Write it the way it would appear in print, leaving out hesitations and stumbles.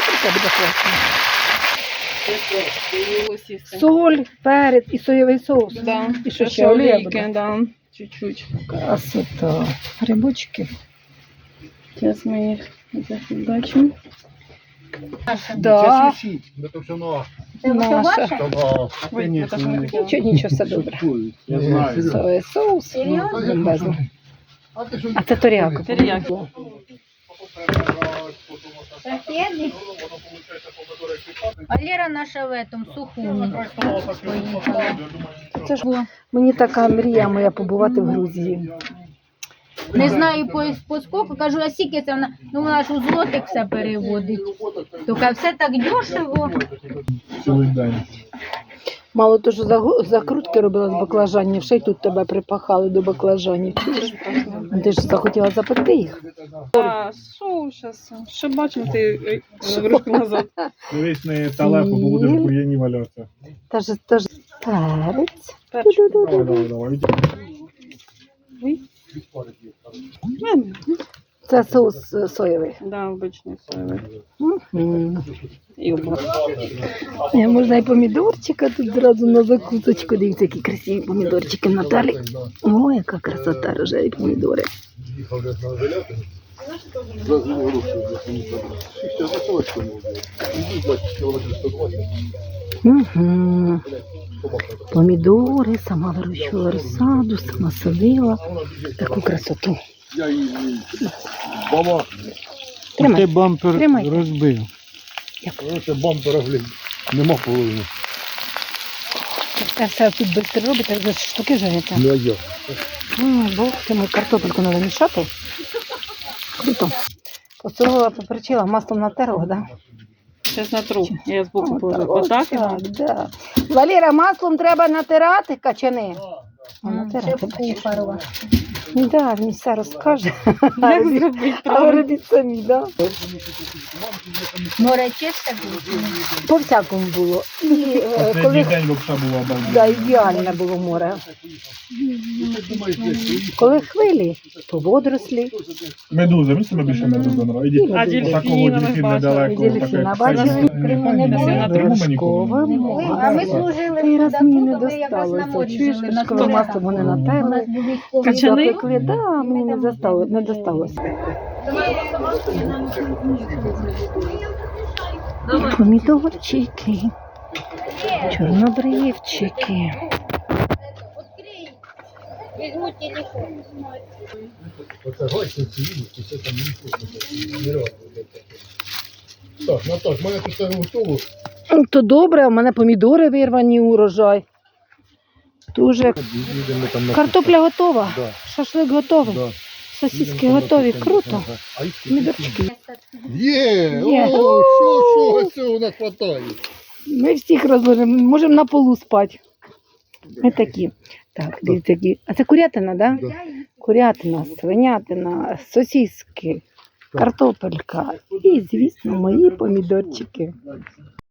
Це буде класно. Соль, перець і соєвий соус. Да. І що ще олія буде? Олійки, да. Чуть-чуть. Красота. Грибочки. Зараз ми їх зафігачимо. Да. Это все на Наша. Ой, це ж не таке. Нічого, все добре. Я знаю. Соєвий соус. Бомбезно. А це торіака. Теріяки. Валера наша в этом сухому поїхала. Це ж мені така мрія моя побувати в Грузії. Не знаю по скільки, кажу, а скільки це вона, ну вона ж у злотих все переводить. Тільки все так дешево. Цілий день. Мало того, що закрутки робила з баклажанів, ще й тут тебе припахали до баклажанів. Чуєш? Ти ж захотіла запекти їх. А, що зараз? Що бачимо ти ручку назад? Дивись не талепу, бо будеш в бур'яні валятися. Та ж перець. Давай, давай. Це соус соєвий. Да, обичний соєвий. Мгм. І обла. Можна і помідорчика тут зразу на закусочку. Дивіться, які красиві помідорчики Наталі. О, яка красота, рожеві помідори. Угу. Помідори, сама вирощувала розсаду, сама садила. Таку красоту. Баба, Тримай. ти бампер Тримай. розбив. Як? Це бампера, нема половини. Це все тут швидко робите, за штуки жарите. Ну, а я. Бог ти мій, картопельку треба мішати. Круто. Посолила, поперчила, маслом натерла, да? Зараз натру. Я збоку положу. Отак? Так, да. Валера, маслом треба натирати качани. Натирати. Кухарова. Да, він все розкаже. Як зробити А правильно? ви робіть самі, да? Море чисте було. По-всякому було. І, Останній коли день взагалі була бомба. да, ідеальне було море. Коли хвилі, то водорослі. Медуза, мені себе більше медуза нравиться. А Ідіть, дельфіна такого ми дельфін бачили. недалеко. Дельфіна бачили? Криму не було. Вершкова А ми море. служили Той раз туди, мені не коли я вас на досталося. морі Чуєш, жили, на коли Турецькому. масло вони натерли. Качани? Запекли, да, мені не досталося. Помідорчики, чорнобривчики. Візьму телефон. Оце гайсенці їдуть, і все там не Так, Наташ, в мене тут все готово. То добре, а в мене помідори вирвані, урожай. Дуже. Їдемо там на Картопля готова, Да. шашлик готовий, Да. сосиски готові, круто. Помідорчики. Є! Є. О, що цього у нас хватає? Ми всіх розложимо, можемо на полу спати. Ми такі. Так, дивіться, які. А це курятина, так? Да? Да. Курятина, свинятина, сосиски, картопелька і, звісно, мої помідорчики.